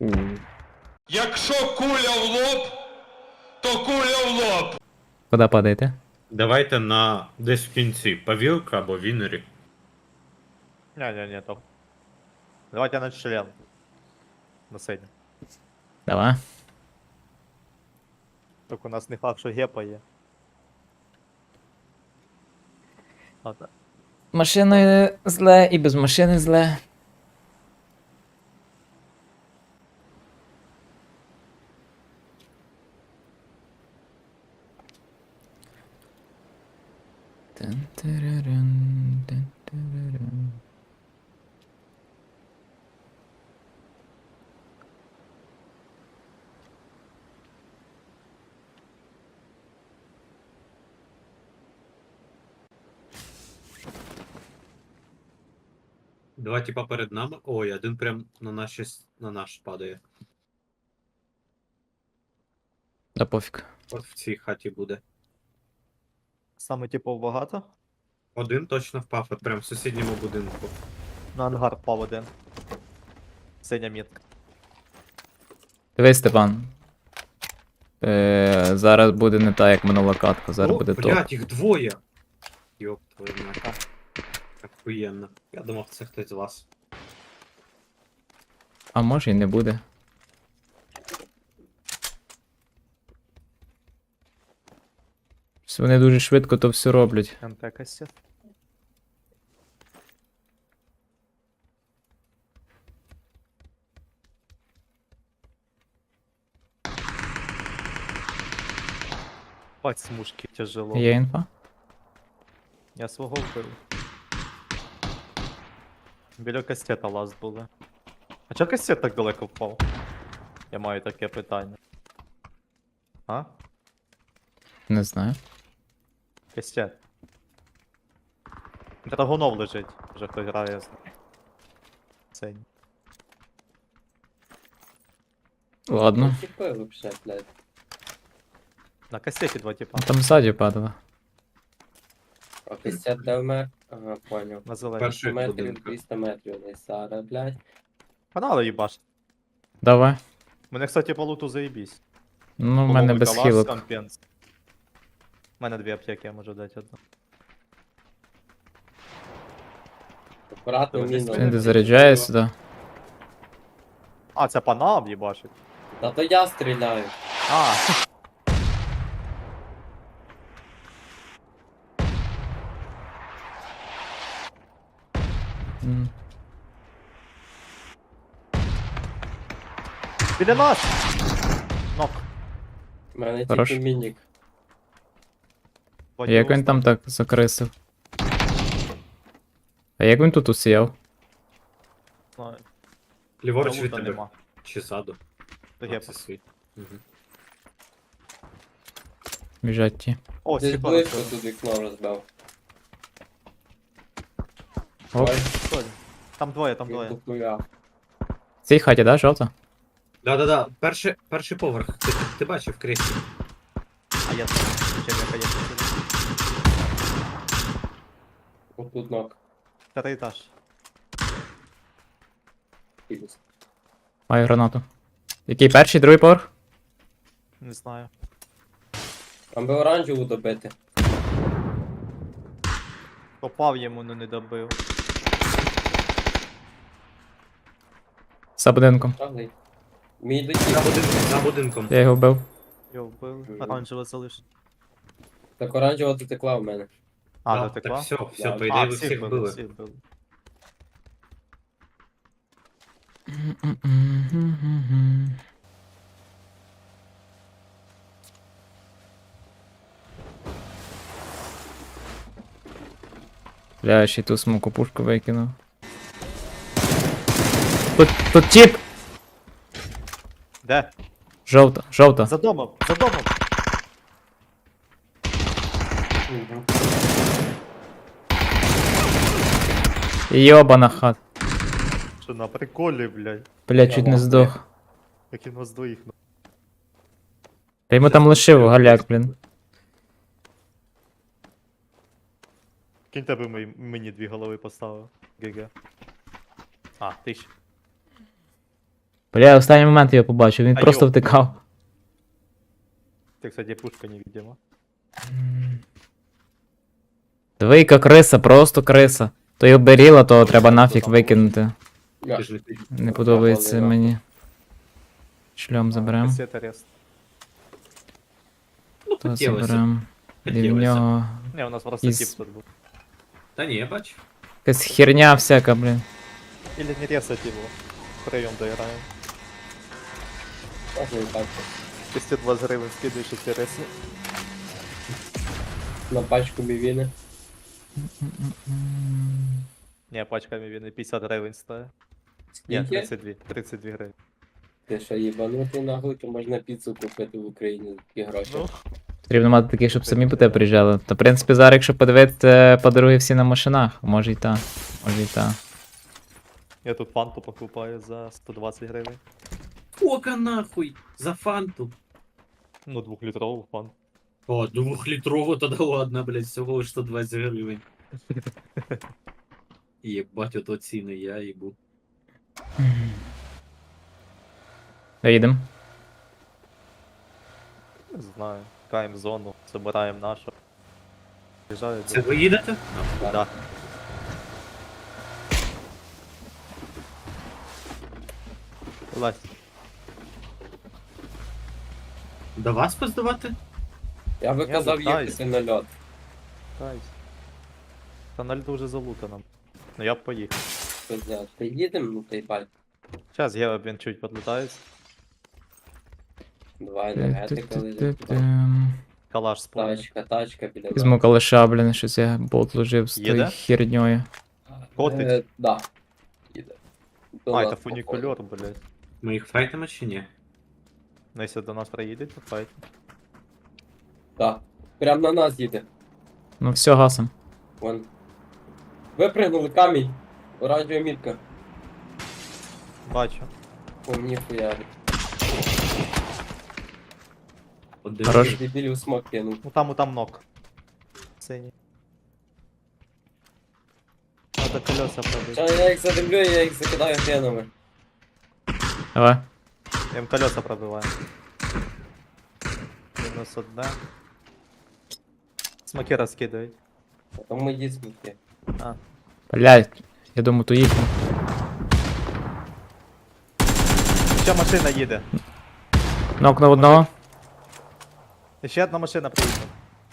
Якщо куля в лоб, то куля в лоб. Куди падаєте? Давайте на десь в кінці. Павілка або Вінері. Не, топ. Давайте на член. На синю. Давай. Так у нас не факт, що гепа є. Ладно. Машиною зле і без машини зле. Тин-тиририн, тин-тиририн. Два типа перед нами. Ой, один прям на наш падає. Да пофіг. От в цій хаті буде. Саме типов багато. Один точно впав, от прям в сусідньому будинку. На ангар впав один. Синя мітка. Дивись, Степан. Зараз буде не так, як минула катка, зараз буде топ. блядь, їх двоє! Йоп, твою мать. Охуєнно. Я думав, це хтось з вас. А може і не буде. Вони дуже швидко то все роблять. МП кастет. Бать смужки тяжело. Є інфа? Я свого вбив. Біля кастета ласт були. А чого кастет так далеко впав? Я маю таке питання. А? Не знаю. Кастет. Драгунов лежить. Вже хтось грає з ним. Синь. Ладно. Типи вообще, блядь. На кастеті два типа. Там ззаді падало. А 50 де вмер? Ага, понял. На зелені. Перший 200 метрів, будинку. 200 метрів десь зараз, блядь. Канали їбаш. Давай. Мене, кстати, по луту заєбісь. Ну, в мене без Калаш, хілок. компенс. У мене дві аптеки, я можу дати одну. Акуратно Давай, міну. Він дозаряджає сюди. А, це по нам їбашить. Та то я стріляю. А, М. біля нас! Нок. У мене Хорош. тільки мінік. Як він там так закрисив? А як він тут усіяв? Знаю. Ліворуч від Лута тебе. нема. Чи ззаду? Та А, гепа. це свій. Мгм. Біжать ті. О, Десь стекло близько розбив. тут вікно розбив. Оп. Ой, Стой. Там двоє, там він двоє. тухуя. В цій хаті, да, жовта? Да-да-да, перший поверх. Ти бачив кріслі. А я чим я конечно сюди. Отут ног. П'ятий етаж. Філіс. Маю гранату. Який перший, другий поверх? Не знаю. Там би оранжеву добити. Попав йому, но не добив. За будинком. Шаглий. Мій За летів. будинком, за будинком. Я його вбив. Його вбив. Оранжево залиш. Так оранжева дотекла в мене. А, Да, дотекла? Так, все, все, Да. по ідеї А, ви всіх били. всіх били. Бля, ще й ту смоку пушку викинув. Тут тіп! Де? Жовта, жовта. За домом, за домом! Угу. Йобана хат. Що на приколі, блядь. Бля, чуть не здох. Як він вас двоїх. Та йому там лишив галяк, блін. Кінь тебе мені дві голови поставив. ГГ. А, ти ще. Бля, я в останній момент його побачив, він А просто йоп. втикав. Ты, кстати, пушка невидима. Двійка криса, просто криса. То й оберіла, то треба нафіг викинути. Ти ж не Не подобається Завалила. мені. Шльом заберем. Кассета рест. Ну, То хотілося. заберем. І в Хотілося. нього Не, у нас просто Із- тип тут был. Та ні, я бачу. якась херня всяка, блін. Или не ресать его. Втроем доиграем. Можна і так. 220 гривен скидываешь, если реси. На пачку мівіни. Не, пачками вины 50 гривен стоит. Не, Скільки? 32. 32 гривен. Ти що їбанутий нахуй, то можна піцу купити в Україні за такі гроші. Ну, Потрібно мати таких, щоб самі по тебе приїжджали. Та, в принципі, зараз, якщо подивитися, подруги всі на машинах. Може і та. Може і та. я тут фанту покупаю за 120 гривен. Кока нахуй! За фанту. Ну, 2-литровую фанту. О, 2-літрову тоді ладно, блядь, всього лиш 120 гривень. Єбать, ото ціни, я їбу. Доїдемо. Не знаю. Каем зону, забираем нашу. Приезжают. Це ви їдете? Да. Вылазь. До вас поздавати? Я би Я казав вертаюсь. їхати на льот. Кайсь. Та на льду вже залутано. Ну я б поїхав. Пизда. Ти їдемо, ну та й баль. Зараз Гео, він чуть подлітається. Два енергетика лежить. Калаш спомнив. Тачка біля нас. Візьму калаша, блін, щось я болт ложив з тою Їде? херньою. Котить? Да. Їде. До А, нас це фунікульор, блядь. Ми їх файтимо чи ні? Ну якщо до нас приїде, то файт. Да. Прям на нас їде. Ну все, гасом. Вон. Випригнули камінь. Оранжева мітка. Бачу. По мені хуярить. Один. Хорош. Дебілів смок кинув. Ну там ног. Синій. Надо колеса пробити. Ща я їх задивлю, я їх закидаю хренами. Давай. Я їм колеса пробиваю. Мінус одне. Смоки розкидають. А там мої смоки. А. Блядь, я думаю, то їхню. Ще машина їде. Нокнув одного. Ще одна машина приїхала.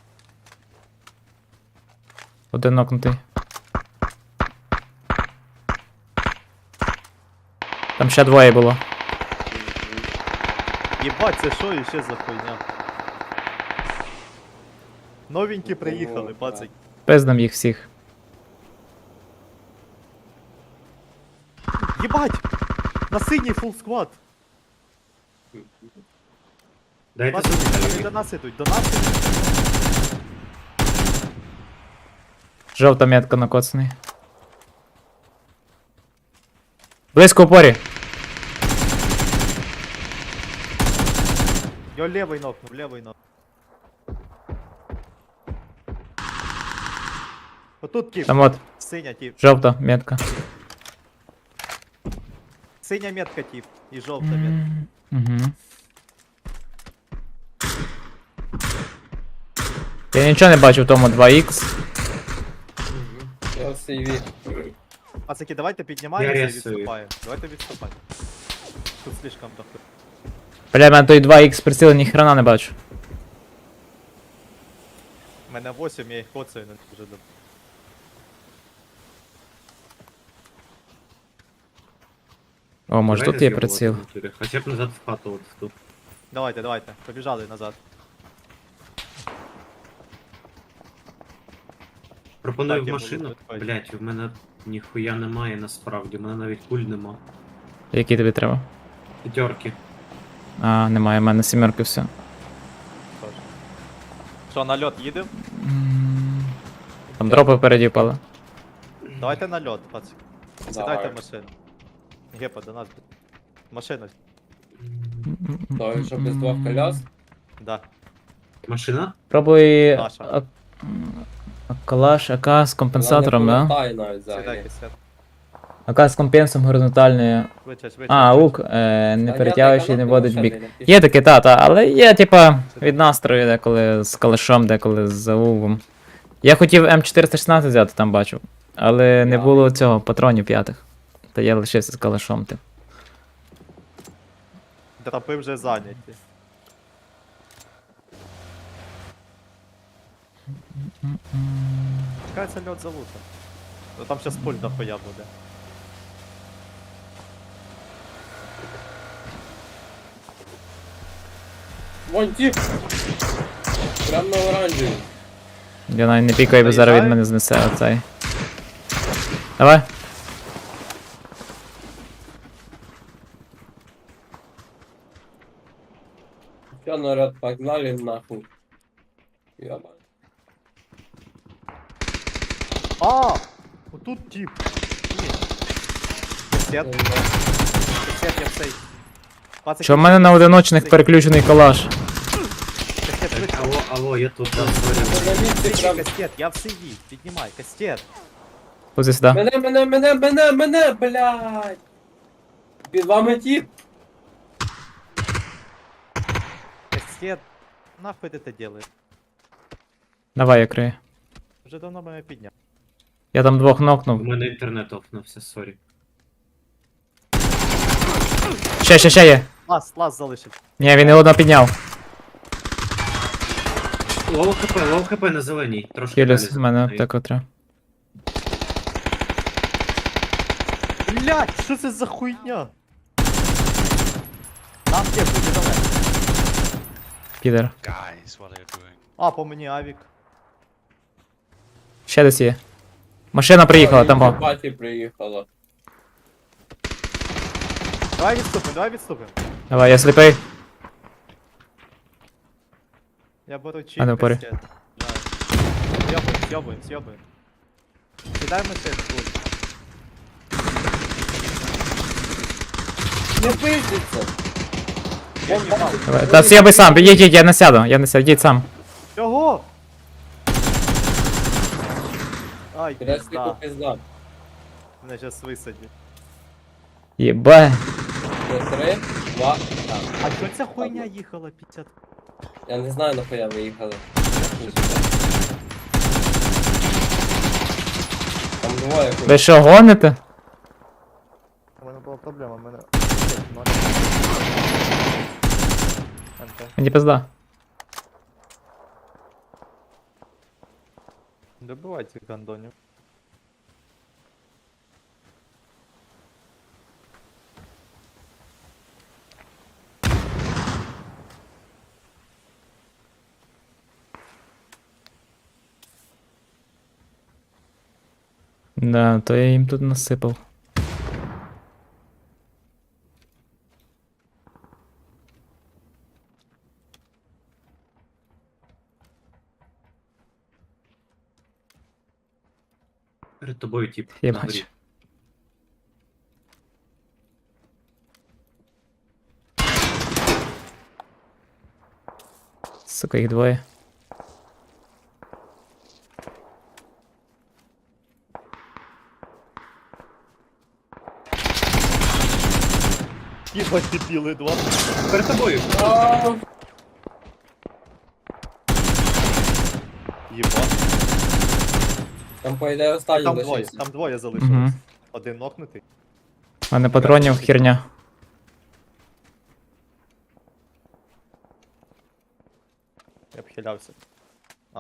Один нокнутий. Там ще двоє було. Єбать, це що іще за хуйня? Новенькі приїхали, пацик. Пиздам їх всіх. Єбать! На синій фул сквад! Дайте Пацик, вони сюди. до нас ідуть, до нас ідуть. Жовта метка накоцаний. Близько в порі. Йо, левий нокнув, левий нокнув. Отут тип, Там от, синя тип. жовта метка. Синя метка тип і жовта метка. Угу. Я нічого не бачу в тому 2х. Я в сейві. Пацаки, давайте піднімаємося Я і рисую. відступаємо. Давайте відступаємо. Тут слишком дохуя. Бля, в мене той 2х приціла ні хрена не бачу. У мене 8, я їх коцаю, не дуже добре. О, може Давайте тут є з'їбувати приціл. в натурі. Хоча б назад в хату от в ту. Давайте, давайте, побіжали назад. Пропоную Так, в я машину. буду відходити. Блять, в мене ніхуя немає насправді, в мене навіть куль нема. Які тобі треба? П'ятерки. А, немає, в мене сімерки все. Тож. Що, на льот їдемо? Там дропи впереді впали. Давайте на льот, пацик. Сідайте Давай. в машину. Гепа, до нас. Машина. То, що без двох коляс. Да. Машина? Пробуй Наша. калаш АК з компенсатором, Вона не да? повертає навіть взагалі. Сідайте, сідайте. АК з компенсом горизонтальною. Швидше, швидше. А, швидше. лук, не перетягуючи, не вводить в бік. Є Є таке, але є, типа, від настрою деколи з калашом, деколи з лугом. Я хотів М416 взяти, там бачив. Але не Да. було цього патронів п'ятих. Та я лишився з калашом, типу. Драпи вже зайняті. Чекається льот залута. Ну там щас пуль дохуя буде. Вон тип! Прям на оранжеві. Я навіть не пікаю, бо зараз від мене знесе оцей. Давай. Все, народ, погнали нахуй. Ёба. А! Отут тип. Ні. Кастет, кастет, я в цей. Пацики, Що в мене на одиночних переключений калаш? Кастет, швидше. Алло, я тут, да, сорі. Це на місці Сиди, прям. кастет, я в сиді. Піднімай, кастет. Позі сюди. Мене, блядь! Під вами тип! Кастет. Нахуй ти це делаєш? Давай, я крию. Вже давно мене підняв. Я там двох У нокнув. мене інтернет офнувся, сорі. Ще є. Лаз залишив. Ні, він його одного підняв. Лоу хп на зеленій. Трошки Хіліс, далі в мене зеленої. так треба. Блять, що це за хуйня? Там є, буде давай. Підер. Guys, what are you doing? А, по мені авік. Ще десь є. Машина приїхала, там о. Паті приїхала. Давай відступимо, давай відступимо. Давай, я сліпий. Я беру чіп. А, не впорі. кастет. З'єбуємо. Кидай машину, будь. Не пиздиться! Я їбав. Давай. Та я би сам, їдь, я не сяду, їдь сам. Чого? Ай, Креснику пізда. пизда. Мене щас висадять. Єбе. Це 3, 2, так. А що ця хуйня їхала 50? Я не знаю, нахуя виїхали. Там двоє хуй. Ви що, гоните? У мене була проблема, у мене... Мені пизда. Добивайте гандонів. Да, то я їм тут насипав. Перед тобою тип. Я на горі. бачу. Сука, їх двоє. Їбать, ти білий два. Перед тобою! А, Їбать. Там по ідеї останній лишився. Там двоє залишилось. Угу. Один нокнутий. У мене патронів херня. Я б хилявся. А.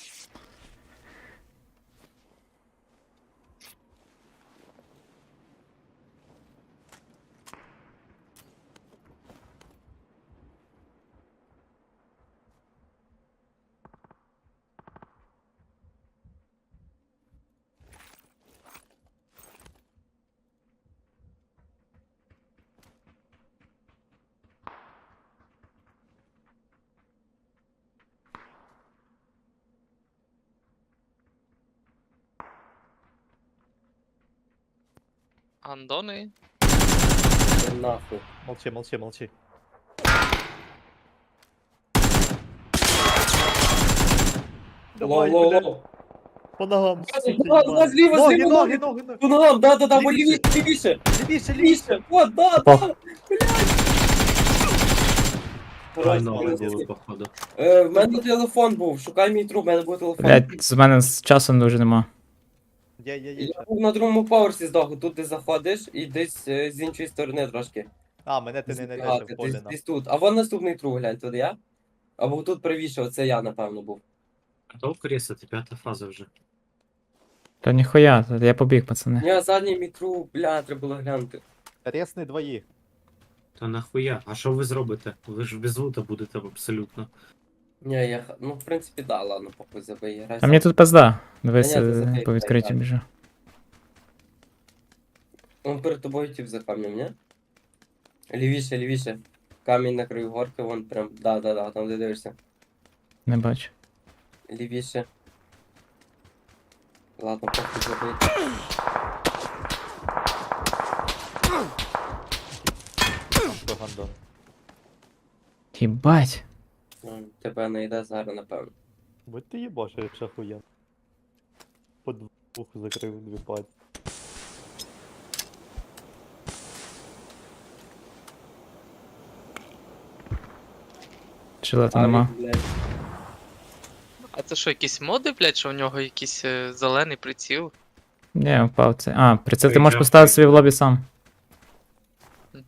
Андони? Нахуй. Молчи. Давай, блядь. Лоу. По ногам. суки, Да, їбані. зліва, Ноги, зліва, ноги, ноги. ноги, ноги. Ну, ногам, да, бо Лівіше. лівіше, лівіше, Лівіше, лівіше. лівіше, от, да. Попав. Ай, ноги були, походу. В мене телефон був, шукай мій труп, в мене був телефон. Блять, з мене з часом дуже нема. Є. Я був на другому поверсі здоху, тут ти заходиш і десь з іншої сторони трошки. А, мене ти не знайдеш Збігати, в полі. десь тут. А вон наступний труп, глянь, тут я. Або тут правіше, оце я, напевно, був. Готов крісати, 5 фаза вже. Та ніхуя, та я побіг, пацани. Ні, задній мій труп, бля, треба було глянути. Ресни двоїх. Та нахуя? А що ви зробите? Ви ж без лута будете абсолютно. Ні, ну в принципі, да, ладно, похуй забий, грай. А мені тут пизда. Дивись, Та ні, ти забий, по відкритті так. біжу. Он перед тобою тип за камнем, ні? Лівіше, лівіше. Камінь на краю горки, вон прям, да, там де дивишся. Не бачу. Лівіше. Ладно, похуй забий. Що гандон. Їбать. Тебе не йде зараз, напевно. Будь ти їбаш, якщо хуєн. По двох закрив дві пальці. Чилета нема. Блядь. А це що, якісь моди, блядь, що у нього якийсь зелений приціл? Ні, впав це. А, приціл ти Ой, можеш дякую. поставити собі в лобі сам. Мгм.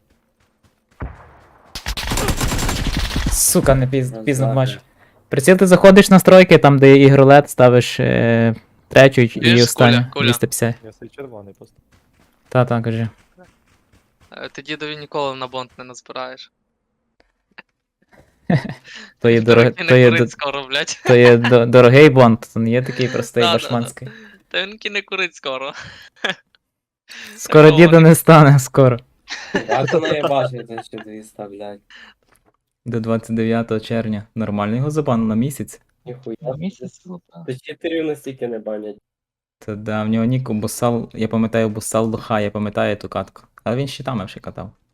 Сука, не пізно Роздати. бачу. Приціл ти заходиш в настройки, там де є ігролет, ставиш третю і Чуєш, останню. Коля? 250. Я свій червоний просто. Та, кажи. Ти дідові ніколи на бонд не назбираєш. То є, Він не курить скоро, блядь. то є дорогий бонд, то не є такий простий Да, да, башманський. Та він не курить скоро. Скоро Такого діда не стане, скоро. А то не бачите, що ти вставляй. До 29 червня. Нормально його забанили на місяць. Ніхуя. Та читерів настільки не банять. Та да, в нього нік бусал, я пам'ятаю бусал лоха, я пам'ятаю ту катку. Але він щитами вже катав.